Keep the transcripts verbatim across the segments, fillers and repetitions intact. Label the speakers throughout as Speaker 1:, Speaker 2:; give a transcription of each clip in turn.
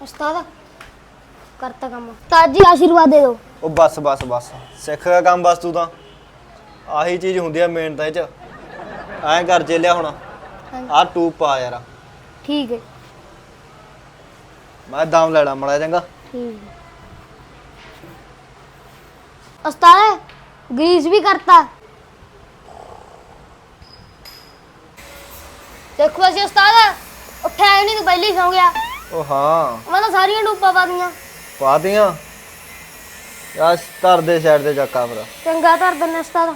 Speaker 1: उस्ताद करता काम उस्ताद जी आशीर्वाद दे दो।
Speaker 2: ओ बस बस बस सिख का काम बस तू तां आही चीज़ हुंदी आ मेहनत च ऐ कर चेलिया हुण आ टूब पा यार
Speaker 1: ठीक है
Speaker 2: मैं दाम लेना मड़ा चंगा
Speaker 1: ठीक है उस्ताद ग्रीस भी करता देखो ऐसे उस्ताद उठा ही नहीं तो पहले ही सो गया
Speaker 2: ओ हाँ
Speaker 1: मैं तो सारी डूबा पा दियां
Speaker 2: पा दियां यार धर दे साइड ते चक्का फिर
Speaker 1: चंगा धर देना उस्ताद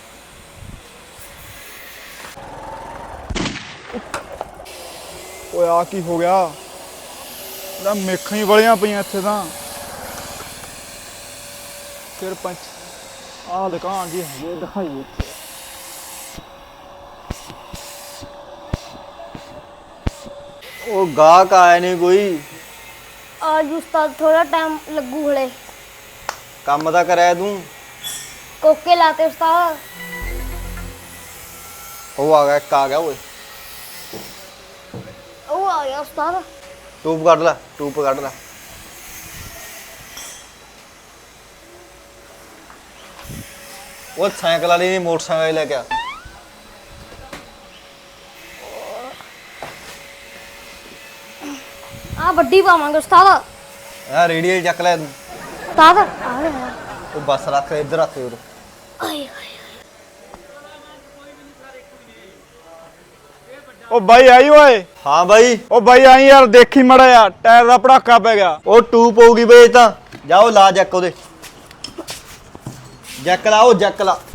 Speaker 3: ਓਏ ਆ ਕੀ ਹੋ ਗਿਆ ਨਾ ਮੇਖਾਂ ਹੀ ਵਲੀਆਂ ਪਈਆਂ ਇੱਥੇ ਤਾਂ ਫਿਰ ਪੰਚ ਆਹ ਦੁਕਾਨ ਜੀ ਹਜੇ ਦਿਖਾਈਏ
Speaker 2: ओ गाहक आया नहीं कोई
Speaker 1: आज उस्ताद थोड़ा टाइम लगू हले
Speaker 2: काम तां कराया तू
Speaker 1: कोके लाते उस्ताद
Speaker 2: ओ आ गया एक आ गया ओए
Speaker 1: ओ आ गया उस्ताद
Speaker 2: टूब कट ला टूब कट ला वो साइकिल वाली नहीं मोटरसाइकिल लेके आ
Speaker 1: आ बड्डी पावांगे उस्ताद
Speaker 2: यार रेडियल चक ले तू
Speaker 1: उस्ताद आ गया
Speaker 2: वो बस रख इधर रख उधर
Speaker 1: आए आए
Speaker 3: ਓ ਬਾਈ ਆਈ ਓਏ
Speaker 2: हाँ भाई
Speaker 3: ਓ ਬਾਈ ਆਈ ਯਾਰ ਦੇਖੀ ਮੜਾ ਯਾਰ ਟਾਇਰ ਦਾ ਪੜਾਕਾ ਪੈ ਗਿਆ
Speaker 2: वो टूब होगी बे तां जाओ ला जैक ओदे जैक ला ओ जैक ला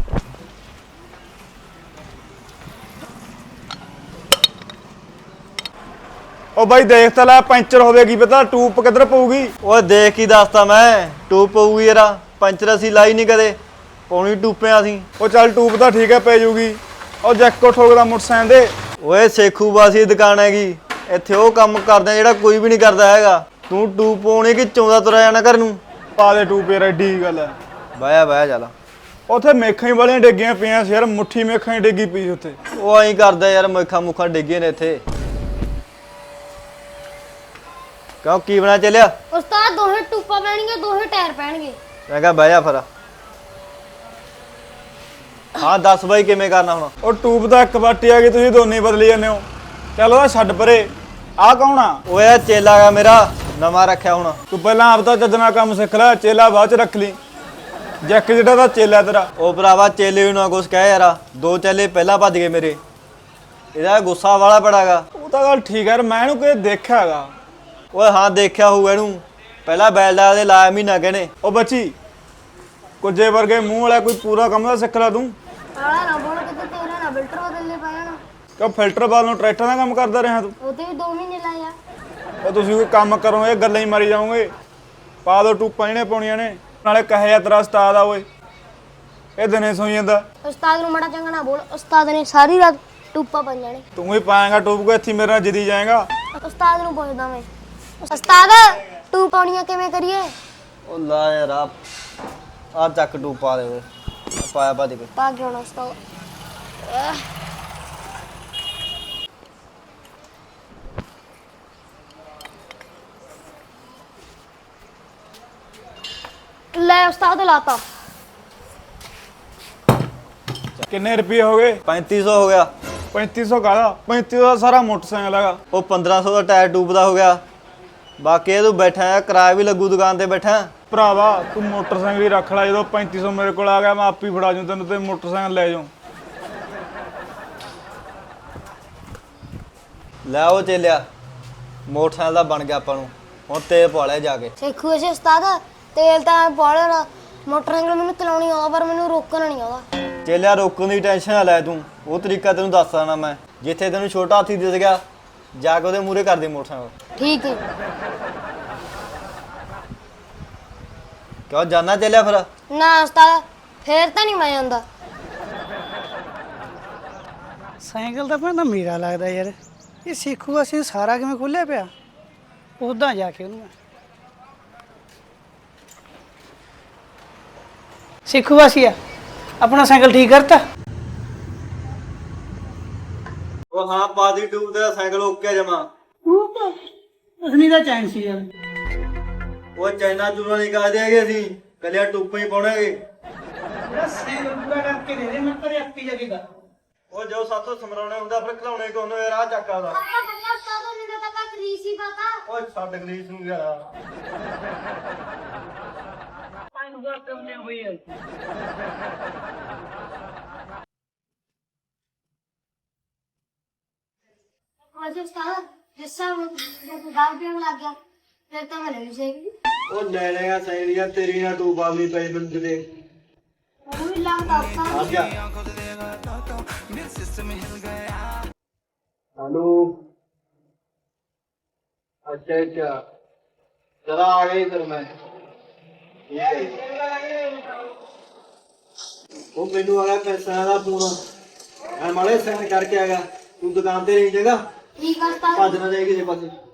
Speaker 3: ਓ ਬਾਈ ਦੇਖ ਤਾਂ ਲੈ ਪੈਂਚਰ ਹੋਵੇਗੀ ਪਤਾ ਟੂਬ ਕਿੱਧਰ ਪਊਗੀ
Speaker 2: ओए देख ही दसता मैं टूब होगी यार पंचर असी लाई नहीं कदे पौनी टूपे असी
Speaker 3: ਉਹ ਚੱਲ ਟੂਬ ਤਾਂ ਠੀਕ ਹੈ ਪੈ ਜੂਗੀ ਉਹ ਜੈਕੋ ਠੋਕਦਾ ਮੋਟਰਸਾਈਕਲ ਦੇ
Speaker 2: ਓਏ ਸੇਖੂ ਬਾਸੀ ਦੁਕਾਨ ਹੈਗੀ ਇੱਥੇ ਉਹ ਕੰਮ ਕਰਦੇ ਜਿਹੜਾ ਕੋਈ ਵੀ ਨਹੀਂ ਕਰਦਾ ਹੈਗਾ ਤੂੰ ਟੂਬ ਪਾਉਣੀ ਕਿ ਚੌਂਦਾ ਤੁਰਿਆ ਜਾਣਾ ਘਰ ਨੂੰ
Speaker 3: ਪਾ ਦੇ ਟੂਬ ਯਾਰ ਐਡੀ ਗੱਲ ਹੈ
Speaker 2: ਬਾਇਆ ਬਾਇਆ ਚੱਲ
Speaker 3: ਉੱਥੇ ਮੇਖਾਂ ਹੀ ਵਾਲੀਆਂ ਡਿੱਗੀਆਂ ਪਈਆਂ ਸੀ ਯਾਰ ਮੁੱਠੀ ਮੇਖਾਂ ਹੀ ਡਿੱਗੀ ਪਈ ਉੱਥੇ
Speaker 2: ਉਹ ਐਂ ਕਰਦਾ ਯਾਰ ਮੇਖਾਂ ਮੁੱਖਾਂ ਡਿੱਗੀਆਂ ਨੇ ਇੱਥੇ ਕਿਉਂ ਕੀ ਬਣਾ ਚੱਲਿਆ
Speaker 1: उस्ताद दोहे टूपा पहनेंगे दोहे टायर पहनेंगे
Speaker 2: ਮੈਂ ਕਿਹਾ ਬਹਿ ਜਾ ਫਿਰ ਹਾਂ ਦੱਸ ਬਾਈ ਕਿਵੇਂ ਕਰਨਾ ਹੁਣ
Speaker 3: ਉਹ ਟੂਬ ਦਾ ਇੱਕ ਵਾਟੀ ਆ ਗਈ ਤੁਸੀਂ ਦੋਨੇ ਹੀ ਬਦਲੀ ਜਾਂਦੇ ਹੋ ਚੱਲ ਉਹਦਾ ਛੱਡ ਪਰੇ ਆਹ ਕੌਣ ਆ
Speaker 2: ਓਏ ਆ ਚੇਲਾ ਗਾ ਮੇਰਾ ਨਵਾਂ ਰੱਖਿਆ ਹੁਣ
Speaker 3: ਤੂੰ ਪਹਿਲਾਂ ਆਪ ਤਾਂ ਚੱਜਣਾ ਕੰਮ ਸਿੱਖ ਲੈ ਚੇਲਾ ਬਾਅਦ ਚ ਰੱਖ ਲਈ ਜੈਕ ਜਿਹੜਾ ਦਾ ਚੇਲਾ ਤੇਰਾ
Speaker 2: ਉਹ ਭਰਾਵਾ ਚੇਲੇ ਨੂੰ ਨਾ ਕੁਛ ਕਹਿ ਯਾਰਾ ਦੋ ਚੇਲੇ ਪਹਿਲਾਂ ਭੱਜ ਗਏ ਮੇਰੇ ਇਹਦਾ ਗੁੱਸਾ ਵਾਲਾ ਬੜਾਗਾ
Speaker 3: ਉਹ ਤਾਂ ਗੱਲ ਠੀਕ ਹੈ ਯਾਰ ਮੈਂ ਇਹਨੂੰ ਕਿਤੇ ਦੇਖਿਆ ਹੈਗਾ
Speaker 2: ਓਏ ਹਾਂ ਦੇਖਿਆ ਹੋਊਗਾ ਇਹਨੂੰ ਪਹਿਲਾਂ ਬੈਲਡਾ ਦੇ ਲਾਇਆ ਮਹੀਨਾ ਕਹਿੰਦੇ
Speaker 3: ਉਹ ਬੱਚੀ ਕੁਝੇ ਵਰਗੇ ਮੂੰਹ ਵਾਲਾ ਕੋਈ ਪੂਰਾ ਕੰਮ ਦਾ ਸਿੱਖ ਲੈ ਤੂੰ
Speaker 1: आला ना बोल के तेरा ना फिल्टर बदलने पाया ना
Speaker 3: ਕਿਉਂ ਫਿਲਟਰ ਬਾਲ ਨੂੰ ਟਰੈਕਟਰ ਦਾ ਕੰਮ ਕਰਦਾ ਰਿਹਾ ਤੂੰ
Speaker 1: ओते भी दो महीने लाया
Speaker 3: ਉਹ ਤੁਸੀਂ ਕੋਈ ਕੰਮ ਕਰੋ ਇਹ ਗੱਲਾਂ ਹੀ ਮਾਰੀ ਜਾਓਗੇ ਪਾ ਦੋ ਟੂਪਾਂ ਜਿਹਨੇ ਪਾਉਣੀਆਂ ਨੇ ਨਾਲੇ ਕਹੇ ਜਾ ਤੇਰਾ ਉਸਤਾਦ ਆ ਓਏ ਇਹ ਦਿਨੇ ਸੋਈ ਜਾਂਦਾ
Speaker 1: उस्ताद नु मड़ा चंगा ना बोल उस्ताद ने सारी रात टूपा बन जाने
Speaker 3: ਤੂੰ ਹੀ ਪਾਏਗਾ ਟੂਪ ਕੋ ਇੱਥੇ ਮੇਰੇ ਨਾਲ ਜਿੱਦੀ ਜਾਏਗਾ
Speaker 1: उस्ताद नु पूछदा मैं उस्ताद टूप पाउणियां किवें करिए
Speaker 2: ਉਹ ਲਾ ਯਾਰ ਆ ਆ ਚੱਕ ਟੂਬ ਪਾ ਦੇ ਓਏ ਪਾਇਆ ਭੱਜ ਕੇ
Speaker 1: पा के होना उस्ताद ले उस्ताद लाता
Speaker 3: ਕਿੰਨੇ ਰੁਪਏ ਹੋ ਗਏ
Speaker 2: पैंती सौ हो गया
Speaker 3: ਪੈਂਤੀ ਸੌ ਕਾਹਦਾ ਪੈਂਤੀ ਸੌ ਦਾ ਸਾਰਾ ਮੋਟਰਸਾਈਕਲ ਹੈਗਾ
Speaker 2: ਉਹ पंद्रह सौ ਦਾ ਟਾਇਰ ਟੂਬ ਦਾ ਹੋ ਗਿਆ ਬਾਕੀ ਇਹ ਤੂੰ ਬੈਠਾ ਹੈ ਕਿਰਾਇਆ ਵੀ ਲੱਗੂ ਦੁਕਾਨ ਤੇ ਬੈਠਾ
Speaker 3: ਭਰਾਵਾ ਤੂੰ ਮੋਟਰਸਾਈਕਲ ਹੀ ਰੱਖ ਲੈ ਜਦੋਂ ਪੈਂਤੀ ਸੌ ਮੇਰੇ ਕੋਲ ਆ ਗਿਆ ਮੈਂ ਆਪ ਹੀ ਫੜਾ ਜੂ ਤੈਨੂੰ ਤੇ ਮੋਟਰਸਾਈਕਲ ਲੈ ਜਾਉ
Speaker 2: ਲੈ ਉਹ ਚੇਲਿਆ ਮੋਟਰਸਾਈਕਲ ਦਾ ਬਣ ਗਿਆ ਆਪਾਂ ਨੂੰ ਹੁਣ ਤੇਲ ਪਾ ਲਿਆ ਜਾ ਕੇ
Speaker 1: ਸਿੱਖੂ ਐਸੇ ਉਸਤਾਦ ਤੇਲ ਤਾਂ ਪਾ ਲੈਣਾ ਮੋਟਰਸਾਈਕਲ ਮੈਨੂੰ ਚਲਾਉਣੀ ਆਉਂਦਾ ਪਰ ਮੈਨੂੰ ਰੋਕਣਾ ਨਹੀਂ ਆਉਂਦਾ
Speaker 2: ਚੇਲਿਆ ਰੋਕਣ ਦੀ ਟੈਨਸ਼ਨ ਨਾ ਲੈ ਤੂੰ ਉਹ ਤਰੀਕਾ ਤੈਨੂੰ ਦੱਸ ਦੇਣਾ ਮੈਂ ਜਿੱਥੇ ਤੈਨੂੰ ਛੋਟਾ ਹਾਥੀ ਦਿਸ ਗਿਆ ਜਾ ਕੇ ਉਹਦੇ ਮੂਹਰੇ ਕਰ ਦੇ ਮੋਟਰਸਾਈਕਲ
Speaker 1: ਠੀਕ ਹੈ
Speaker 2: ਕਿਉਂ ਜਾਣਾ ਚੇਲਿਆ ਫਿਰ
Speaker 1: ਨਾ ਉਸਤਾਦ ਫੇਰ ਤਾਂ ਨਹੀਂ ਮੈਂ ਆਉਂਦਾ
Speaker 4: ਸਾਈਕਲ ਤਾਂ ਭੈਣ ਮੇਰਾ ਲੱਗਦਾ ਯਾਰ ਇਹ ਸਿੱਖੂ ਅਸੀਂ ਸਾਰਾ ਕਿਵੇਂ ਖੋਲਿਆ ਪਿਆ ਉਦਾਂ ਜਾ ਕੇ ਉਹਨੂੰ ਮੈਂ ਸਿੱਖੂ ਵਾਸੀਆ ਆਪਣਾ ਸਾਈਕਲ ਠੀਕ ਕਰਤਾ
Speaker 2: ਉਹ ਹਾਂ ਪਾਦੀ ਟੂਬ ਤੇਰਾ ਸਾਈਕਲ ਓਕੇ ਜਮਾ
Speaker 4: ਉਹ ਤਾਂ ਅਸਨੀ ਦਾ ਚੈਨ ਸੀ ਯਾਰ
Speaker 2: ਉਹ ਚਾਈਨਾ ਚੂਨਾ ਨਹੀਂ ਕਰਦੇ ਹੈਗੇ ਅਸੀਂ ਕੱਲਿਆ ਟੂਪਾਂ ਹੀ ਪਾਉਣਾਗੇ।
Speaker 4: ਮੇਰਾ ਸਾਈਕਲ ਪੂਰਾ ਕਰਕੇ ਦੇ ਦੇ, ਮੈਂ ਘਰੇ ਆਪੀ ਜਾ ਕੇ ਕਰ।
Speaker 2: ਉਹ ਜੋ ਸਾਥੋਂ ਸਮਰਾਉਣੇ ਹੁੰਦਾ ਫਿਰ ਖਿਲਾਉਣੇ ਕੋਨੂੰ ਯਾਰ ਆ ਚੱਕਾ ਦਾ।
Speaker 1: ਪਾਪਾ ਬੱਲਾ ਉਸਤਾਦ ਨੇ ਤਾਂ ਤੱਕ ਗਰੀਸ ਹੀ ਪਤਾ।
Speaker 2: ਓਏ ਛੱਡ ਗਰੀਸ ਨੂੰ ਯਾਰ।
Speaker 4: ਪਾਣੀ ਦਾ ਕੰਮ ਨਹੀਂ ਹੋਈ ਹੈ।
Speaker 1: ਅੱਜ ਉਸਤਾਦ ਜਿਸ ਸਾਲ ਨੂੰ ਦਾਲ ਪੀਣ ਲੱਗ ਗਿਆ ਫਿਰ ਤਾਂ ਮੈਂ ਨਹੀਂ ਸਹੀ।
Speaker 2: ਉਹ ਲੈ ਲੈਗਾ ਸਹੇਲੀਆਂ ਤੇਰੀ ਨਾ ਤੂੰ ਬਾਵੀ ਪਈ ਬੰਦ ਦੇ।
Speaker 1: ਉਹ ਵੀ ਲੱਗਦਾ ਉਸਤਾਦ।
Speaker 2: ਆ ਜਾ हेलो अच्छा अच्छा चला आ गई फिर मैं वो मेनू आ गया पैसा का फोन मैं माड़े सेंड करके आ गया तू दुकान ते रही जगह
Speaker 1: ठीक है उस्ताद।
Speaker 2: भज ना जाए किसी पासे।